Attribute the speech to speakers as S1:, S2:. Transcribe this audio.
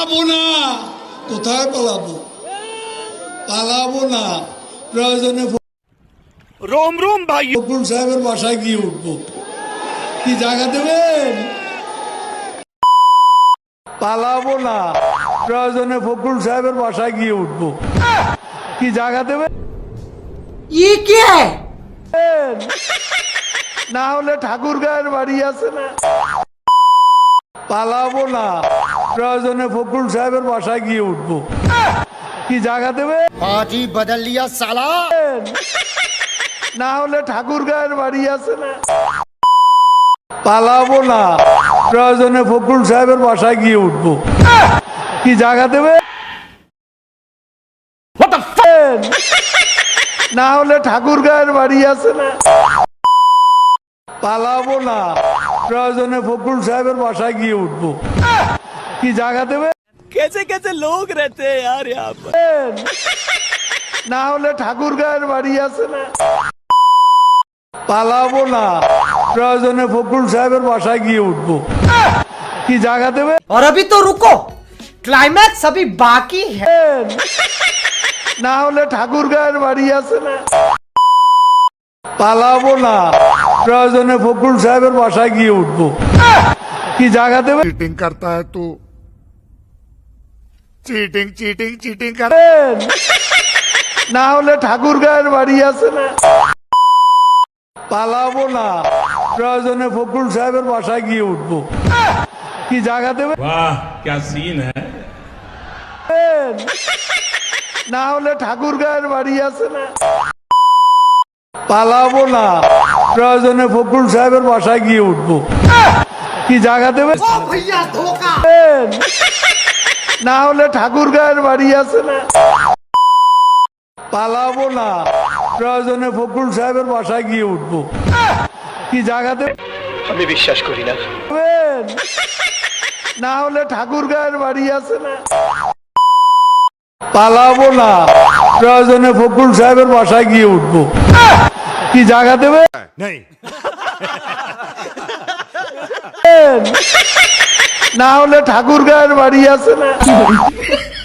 S1: পালাবো না। কোথায় পালাবো? পালাবো না, প্রয়োজনে
S2: रोम रोम भाई
S1: ফখরুল সাহেবের বাসায় গিয়ে উঠবো। কি জায়গা দেবেন? পালাবো না, প্রয়োজনে ফখরুল সাহেবের বাসায় গিয়ে উঠবো। কি জায়গা দেবেন?
S3: ये क्या है?
S1: না হলে ঠাকুর গায়ের বাড়ি আছে না। পালাবো না, প্রয়োজনে ফখরুল সাহেবের বাসায় গিয়ে উঠবো। কি জায়গা দেবে?
S3: पार्टी बदल लिया साला।
S1: না হলে ঠাকুর গায়ের বাড়ি আছে না। পালাবো না, প্রয়োজনে ফখরুল সাহেবের বাসায় গিয়ে উঠবো। কি জায়গা দেবে? না হলে ঠাকুর গায়ের বাড়ি আছে না। পালাবো না, প্রয়োজনে ফখরুল সাহেবের বাসায় গিয়ে উঠবো। কি জায়গা দেবে?
S2: कैसे कैसे लोग रहते हैं यार यहाँ पर।
S1: না হলে ঠাকুর গায়ের বাড়ি আছে না। পালাবো না, প্রয়োজনে ফখরুল সাহেবের বাসায় গিয়ে উঠবো। কি জায়গা দেবে?
S3: और अभी तो रुको, क्लाइमैक्स अभी बाकी है।
S1: না হলে ঠাকুর গায়ের বাড়ি আছে না। পালাবো না, প্রয়োজনে ফখরুল সাহেবের বাসায় গিয়ে উঠবো। কি জায়গা দেবে?
S4: चीटिंग करता है तू चीटिंग चीटिंग चीटिंग कर
S1: না হলে ঠাকুর গায়ের বাড়ি আছে না। পালাবো না, প্রয়োজনে ফখরুল সাহেবের বাসায় গিয়ে উঠবো। কি জায়গা দেবে?
S5: वाह क्या सीन है।
S1: না হলে ঠাকুর গায়ের বাড়ি আছে না। পালাবো না, প্রয়োজনে ফখরুল সাহেবের বাসায় গিয়ে উঠবো। কি জায়গা দেবে?
S3: भैया धोखा।
S1: না হলে ঠাকুর গায়ের বাড়ি আছে না। পালাবো না, প্রয়োজনে ফখরুল সাহেবের বাসায় গিয়ে উঠবো। কি জায়গা দেবে?
S2: আমি বিশ্বাস করি না।
S1: না হলে ঠাকুর গায়ের বাড়ি আছে না। পালাবো না, প্রয়োজনে ফখরুল সাহেবের বাসায় গিয়ে উঠবো। কি জায়গা দেবে?
S4: नहीं
S1: না হলে ঠাকুর গায়ের বাড়ি আছে না।